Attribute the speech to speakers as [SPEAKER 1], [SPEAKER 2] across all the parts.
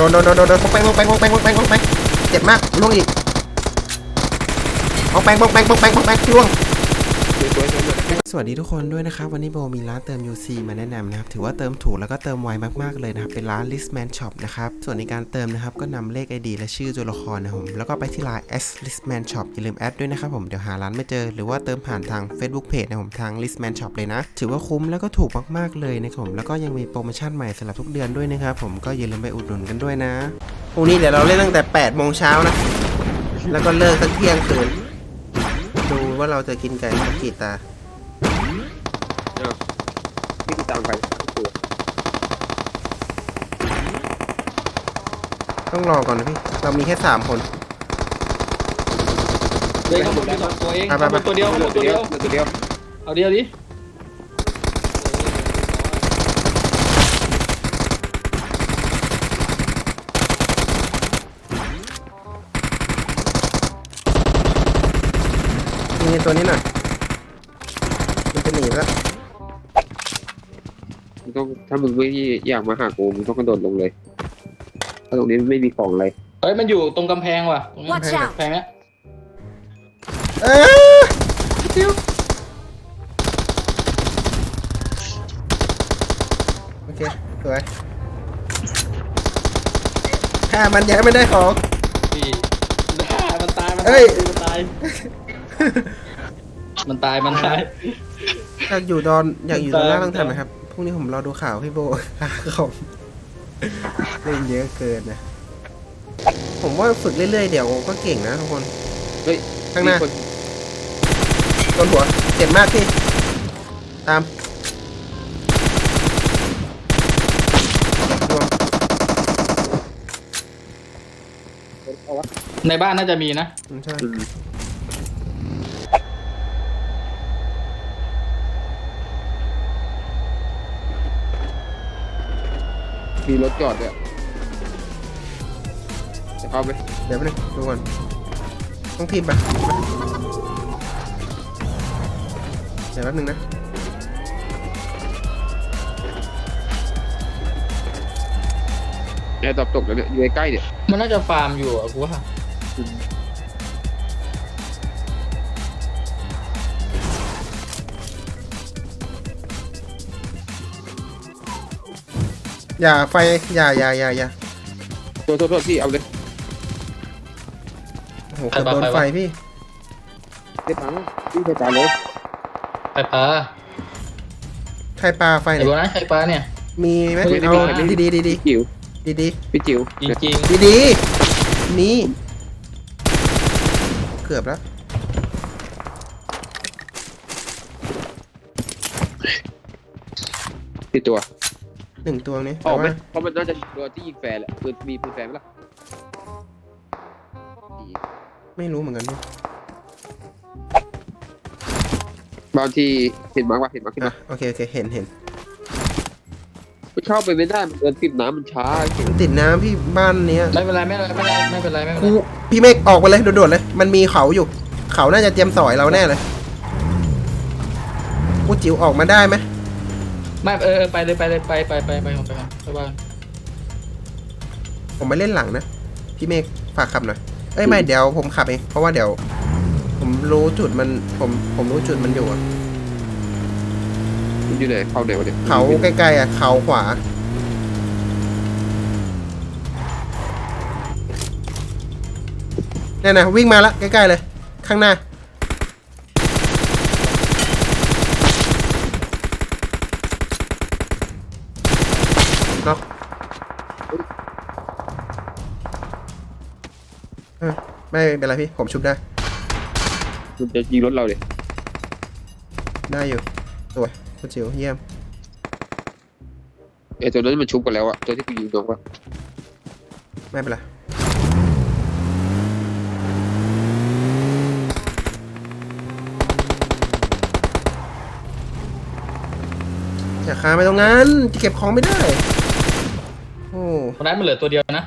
[SPEAKER 1] โดนปองแปงเจ็บมากล่วงอีกปองแปงล่วงสวัสดีทุกคนด้วยนะครับวันนี้โบมีร้านเติม UC มาแนะนำนะครับถือว่าเติมถูกแล้วก็เติมไวมากๆเลยนะครับเป็นร้าน Listman Shop นะครับส่วนในการเติมนะครับก็นำเลข ID และชื่อตัวละครนะครับผมแล้วก็ไปที่ไลน์ @listman shop อย่าลืมแอดด้วยนะครับผมเดี๋ยวหาร้านไม่เจอหรือว่าเติมผ่านทาง Facebook Page นะครับผมทาง Listman Shop เลยนะถือว่าคุ้มแล้วก็ถูกมากๆเลยนะครับผมแล้วก็ยังมีโปรโมชั่นใหม่สำหรับทุกเดือนด้วยนะครับผมก็อย่าลืมไปอุดหนุนกันด้วยนะพรุ่งนี้เดี๋ยวเราเล่นตั้งแต่8 โมงเช้านะแล้วก็เลิกตั้งเที่ยงคืนดูว่าเราจะกินไก่กี่ตา
[SPEAKER 2] พี่ตามไป
[SPEAKER 1] ต้องรอก่อนนะพี่เรามีแค่3 คน
[SPEAKER 3] เฮ้ยเขาหมดไป2 ตัวเองเขาหมดตัวเดียวเอาเดียวดิ
[SPEAKER 1] มีตัวนี้หน่อยมันจะหนีแล้ว
[SPEAKER 2] มึงต้องถ้ามึงไม่อยากมาหากูมึงต้องกระโดดลงเลยถ้าตรงนี้ไม่มีของอะไร
[SPEAKER 3] เฮ้ยมันอยู่ตรงกำแพงว่ะตรงกำแพงเนี้ย
[SPEAKER 1] จิ้วโอเคสวยฆ่ามันยังไม่ได้ของ
[SPEAKER 3] พี่มันตายมันตาย
[SPEAKER 1] อยากอยู่ตอนล่างต้องทำนะครับพรุ่งนี้ผมรอดูข่าวพี่โบผมเล่นเยอะเกินนะผมว่าฝึกเรื่อยๆเดี๋ยวก็เก่งนะทุกคน
[SPEAKER 2] เฮ้ย
[SPEAKER 1] ข้างหน้าโดนหัวเจ็บมากพี่ตาม
[SPEAKER 3] ในบ้านน่าจะมีนะ
[SPEAKER 1] ใช่
[SPEAKER 2] มีรถจอดด้วยจะเข้าไหม
[SPEAKER 1] เดี๋ยวไปเลยดูก่อนต้องพิมพ์ไปเดี๋ยวแป๊บนึงนะ
[SPEAKER 2] แอร์ตกแล้วเนี่ยอยู่ใกล้ๆเนี่ย
[SPEAKER 3] มันน่าจะฟาร์มอยู่อ่ะกูว่า
[SPEAKER 1] อย่าไฟอย่า
[SPEAKER 2] โทษพี่เอาเลย
[SPEAKER 1] โหเกือบโดนไฟพี่
[SPEAKER 2] เจ็บถังพี่ไปตายเลย
[SPEAKER 3] ไข่ปลา
[SPEAKER 1] ไฟเนี่ย
[SPEAKER 3] ไข่ปลาเนี่ย
[SPEAKER 1] มีไหมเอาดี
[SPEAKER 2] จิ๋วพี่จิ๋ว
[SPEAKER 3] จริง
[SPEAKER 1] ดีนี่เกือบแล้ว
[SPEAKER 2] ที่ตัว
[SPEAKER 1] 1 ตัวนี้
[SPEAKER 2] ออกไหมเพราะมันน่าจะตัวที่ยิงแฟร์แหละมีปืนแฟร์ไหมล่ะ
[SPEAKER 1] ไม่รู้เหมือนกัน
[SPEAKER 2] บางทีเห็นมาร์กขึ้นมา
[SPEAKER 1] โอเคเห็น
[SPEAKER 2] ไม่เข้าไปไม่ได้มันเดินติดน้ำมันช้า
[SPEAKER 1] มันติดน้ำพี่บ้านเนี้ย
[SPEAKER 3] ไม่เป็นไร
[SPEAKER 1] พี่เมฆออกไปเลยโดดๆเลยมันมีเขาอยู่เขาน่าจะเตรียมสอยเราแน่เลยกูจิ๋วออกมาได้ไหม
[SPEAKER 3] ไม่ไปเลยไปบ้าน
[SPEAKER 1] ผมไปเล่นหลังนะพี่เมฆฝากขับหน่อยไม่เดี๋ยวผมขับเองเพราะว่าเดี๋ยวผมรู้จุดมันผมรู้จุดมันอยู่อะ
[SPEAKER 2] มันอยู่ไหนเขาไหนวะเนี่ย
[SPEAKER 1] เขาใกล้ๆอ่ะเขาขวาเนี่ยนะวิ่งมาละใกล้ๆเลยข้างหน้าเนาะไม่เป็นไรพี่ผมชุบได้
[SPEAKER 2] มันจะยิงรถเราเลย
[SPEAKER 1] ได้อยู่สวยคุณจิ๋วเยี่ยม
[SPEAKER 2] ตัวนั้นมันชุบกันแล้วอะตัวที่กูยิงน้องวะ
[SPEAKER 1] ไม่เป็นไรอย่าคาไปตรงนั้นจะเก็บของไม่ได้โอ้
[SPEAKER 3] คนนั้นมันเหลือตัวเดียวนะ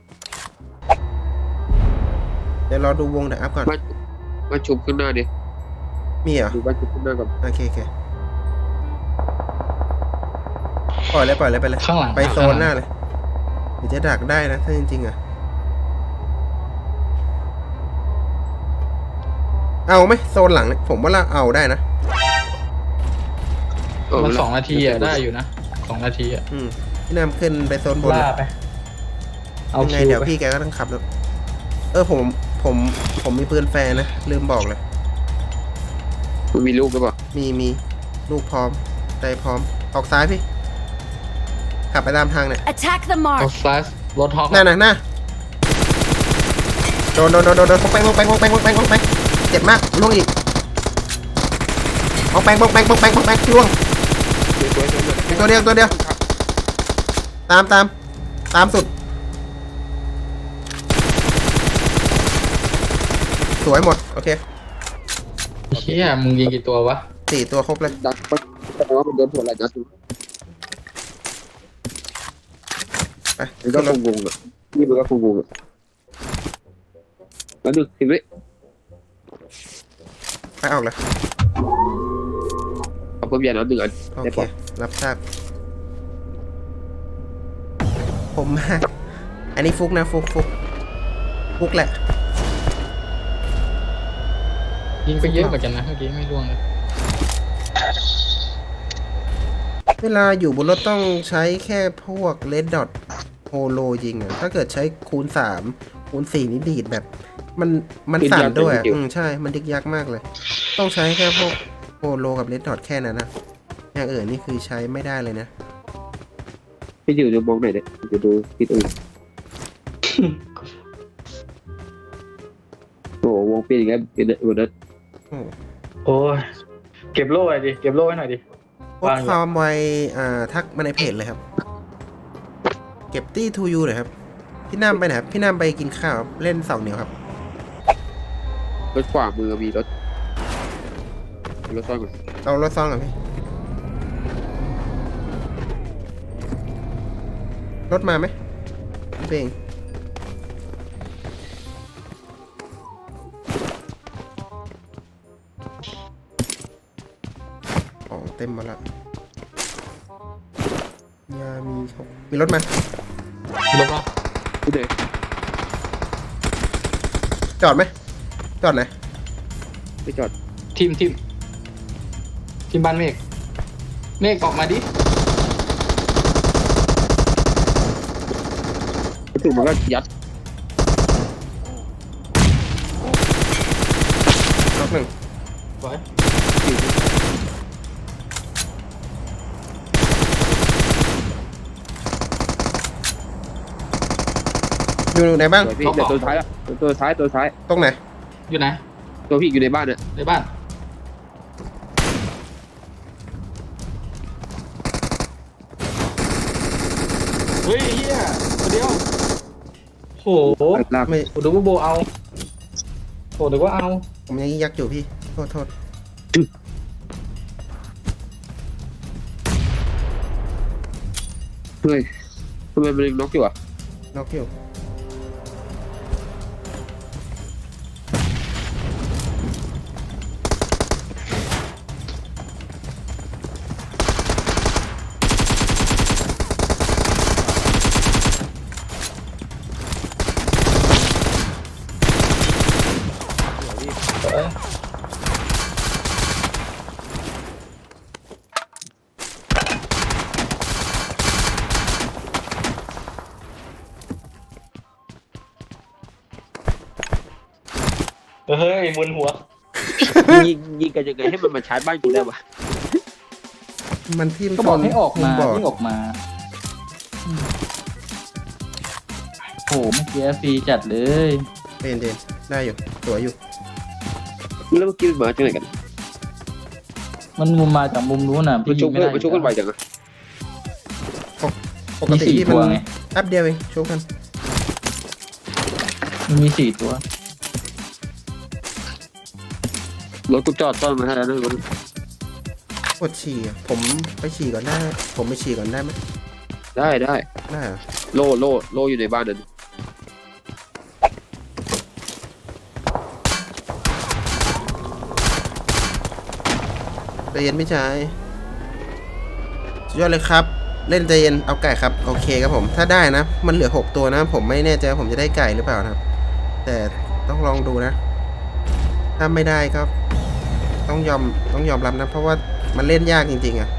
[SPEAKER 1] เดี๋ยวรอดูวงเดี๋ยวอัพก่อน
[SPEAKER 2] มันชุบขึ้นหน้าดิ
[SPEAKER 1] มีเหรอ
[SPEAKER 2] ดูบ้านชุบขึ้นหน้าก่อน
[SPEAKER 1] โอเคปล่อยเลยไปเลย
[SPEAKER 3] ข้างหลัง
[SPEAKER 1] ไปโซนหน้าเลยรือจะดักได้นะถ้าจริงๆอะเอาไหมโซนหลังเนี่ยผมว่าเราเอาได้นะ
[SPEAKER 3] มัน2 นาทีอ่ะได้อยู่นะ2 นาทีอ่ะ
[SPEAKER 1] พี่นำขึ้นไปโซนบน
[SPEAKER 3] ล่าไปเอา
[SPEAKER 1] ยังไง
[SPEAKER 3] คิว
[SPEAKER 1] เดี๋ยว
[SPEAKER 3] ไป
[SPEAKER 1] พี่แกก็ต้องขับรถผมมีปืนแฟร์นะลืมบอกเลย
[SPEAKER 2] มันมีลูกหรือเปล่า
[SPEAKER 1] มีลูกพร้อมใจพร้อมออกซ้ายพี่ ขับไปตามทางเนี่ย
[SPEAKER 4] Attack the
[SPEAKER 3] เอา
[SPEAKER 4] mark.
[SPEAKER 3] สไลด์รถฮอก
[SPEAKER 1] หน้าโดนพกแปงเจ็บมากล่วงอีกพกแปงล่วง
[SPEAKER 2] สวย
[SPEAKER 1] ตัวเดียวตามสุดสวยหมดโอเค
[SPEAKER 3] เชี่ยมึงยิงกี่ตัววะ
[SPEAKER 1] 4 ตัวครบเลย
[SPEAKER 2] ดักแสดงว่ามันโดนหัวไหล่นัด
[SPEAKER 1] ไป
[SPEAKER 2] มันก็คงงงอ่ะนี่มันก็คงงงอ่ะแล้ว10 วิ
[SPEAKER 1] ไปออกเลย
[SPEAKER 2] เอาเพิ่มยาน้ำ1 อัน
[SPEAKER 1] โอ
[SPEAKER 2] ได้
[SPEAKER 1] เค
[SPEAKER 2] ปะ
[SPEAKER 1] รับทราบผมมาอันนี้ฟุกนะฟุกแหละ
[SPEAKER 3] ยิงไปเยอะเหมือนกันนะเมื่อกี้ไม่ร่วงเลย
[SPEAKER 1] เวลาอยู่บนรถต้องใช้แค่พวกเลดดอทโฮโลยิงอ่ะถ้าเกิดใช้คูณ 3 คูณ 4 นี่ดีดแบบ มันสั่นด้วยอะใช่ มันดิกยักมากเลย ต้องใช้แค่พวกโฮโลกับเลดดอทแค่นั้นนะอย่างอื่นนี่คือใช้ไม่ได้เลยนะ
[SPEAKER 2] พี่อยู่จะมองไหนเนี่ยจะดูทิศอื่นโอ้วงเปลี่ยนอย่างเงี้ยเป็นวันนั้น
[SPEAKER 3] โอ้ยเก็บโล่ไว้ดิเก็บโล่ไว้หน่อยดิ
[SPEAKER 1] พวกความไวทักมาในเพจเลยครับ เก็บตี้ทูยูเลยครับ พี่น้ำไปไหนครับพี่น้ำไปกินข้าวครับเล่น2 เหนียวครับ
[SPEAKER 2] รถขวามือมีรถซ่อนก่อน
[SPEAKER 1] เอารถซ่องก่อนพี่ รถมาไหมพี่เองของเต็มหมดละยามีรถมา
[SPEAKER 3] ลบแล้ว
[SPEAKER 2] ที่ไหน
[SPEAKER 1] จอดไหมจอดไหน
[SPEAKER 2] ไม่จอด
[SPEAKER 3] ทีมบ้านเมฆออกมาดิ
[SPEAKER 2] ถึงมันก็ยัด
[SPEAKER 1] รถหนึ่ง
[SPEAKER 3] สวย
[SPEAKER 1] อยู่ไหนบ้าง
[SPEAKER 2] สวยพี่เดี๋ยวตัวท้ายละตัวท้าย
[SPEAKER 1] ตรงไหน
[SPEAKER 3] อยู่ไหน
[SPEAKER 2] ตัวพี่อยู่ในบ้านเนี่ย
[SPEAKER 3] ในบ้านเฮ้ยเฮียตัวเดียวโห
[SPEAKER 2] ลาก
[SPEAKER 1] ไม่
[SPEAKER 3] ผมดูว่าโบเอาโหดูว่าเอา
[SPEAKER 1] ผมยังยักอยู่พี่ โทษ
[SPEAKER 2] เฮ้ยทำไมมันน็อกอยู่อ่ะ
[SPEAKER 1] น็อกอยู่
[SPEAKER 3] เฮ้ยมึนหัว
[SPEAKER 2] ยิงกันยังไงให้มันมาชาร์จบ้านกูได้วะ
[SPEAKER 1] มันทิ่ม
[SPEAKER 3] ก็บอกให้ออกมา
[SPEAKER 1] บอด
[SPEAKER 3] วิ่งออกมาโหเมื่อกี้ฟรีจัดเลย
[SPEAKER 1] เย็นได้อยู่สวยอยู่
[SPEAKER 2] แล้วเมื่อกี้มันมาจากไหนกัน
[SPEAKER 3] มันมุมมาจากมุมนู้นน่ะ
[SPEAKER 2] มันชุก
[SPEAKER 3] ไม่ได้
[SPEAKER 2] มันชุกกันไวจังอะ
[SPEAKER 1] ปกติที่
[SPEAKER 3] ตั
[SPEAKER 1] มั
[SPEAKER 3] วน ไง
[SPEAKER 1] แป๊บเดียวเองช่วงกัน
[SPEAKER 3] มันมี4 ตัว
[SPEAKER 2] รถกูจอดต้อนมาให้แล้วนะรถ
[SPEAKER 1] กดฉี่อะผมไปฉี่ก่อนได้ ผมไปฉี่ก่อนได้ไหม
[SPEAKER 2] ได้
[SPEAKER 1] ได้เหรอ
[SPEAKER 2] โล่อยู่ในบ้านนั่น
[SPEAKER 1] ใจเย็นพี่ชายสุดยอดเลยครับเล่นใจเย็นเอาไก่ครับโอเคครับผมถ้าได้นะมันเหลือ6ตัวนะผมไม่แน่ใจว่าผมจะได้ไก่หรือเปล่านะครับ แต่ต้องลองดูนะ ถ้าไม่ได้ก็ต้องยอมรับนะเพราะว่ามันเล่นยากจริงๆอะ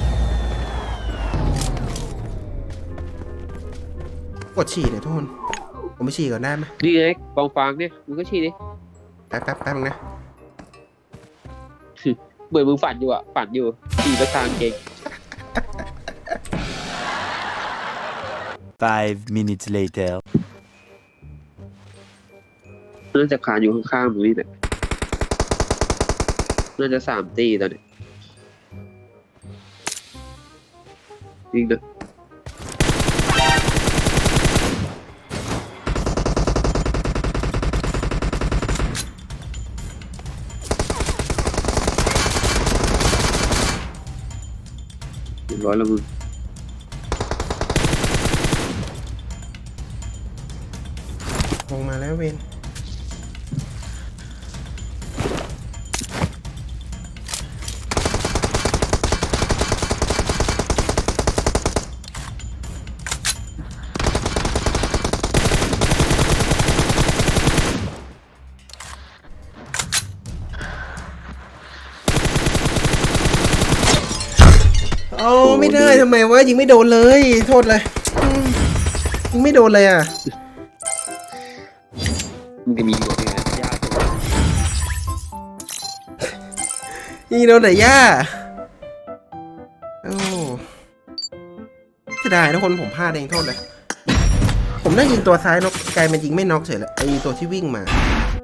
[SPEAKER 1] กดฉี่เนี่อยทุกคนผมไปฉี่ก่อนได้ไหม
[SPEAKER 2] นี่ไงกองฟางเนี่ยมึงก็ชี้ดิ
[SPEAKER 1] แป๊บนึงนะ
[SPEAKER 2] เหมือนมึงฝันอยู่อ่ะฝันอยู่ขี่ไปทางเก่ง
[SPEAKER 4] 5 minutes later.
[SPEAKER 2] น่าจะคานอยู่ข้างๆมึงนี่แหละน่าจะ3 ตีตอนนี้จริงนะเรียบร้อยแล้วมึง
[SPEAKER 1] ลงมาแล้วเวนโอ้ไม่ได้ทำไมวะยิงไม่โดนเลยโทษเลยยิงไม่โดนเลยอ่ะ
[SPEAKER 2] มันจะมีอยู่เนี่ยยากจังวะ
[SPEAKER 1] ยิงโดนแต่ย่าโอ้เสียดายทุกคนผมพลาดเองโทษเลย ผมได้ยิงตัวซ้ายนกไกลมันยิงไม่น็อกเฉยเลยไอตัวที่วิ่งมา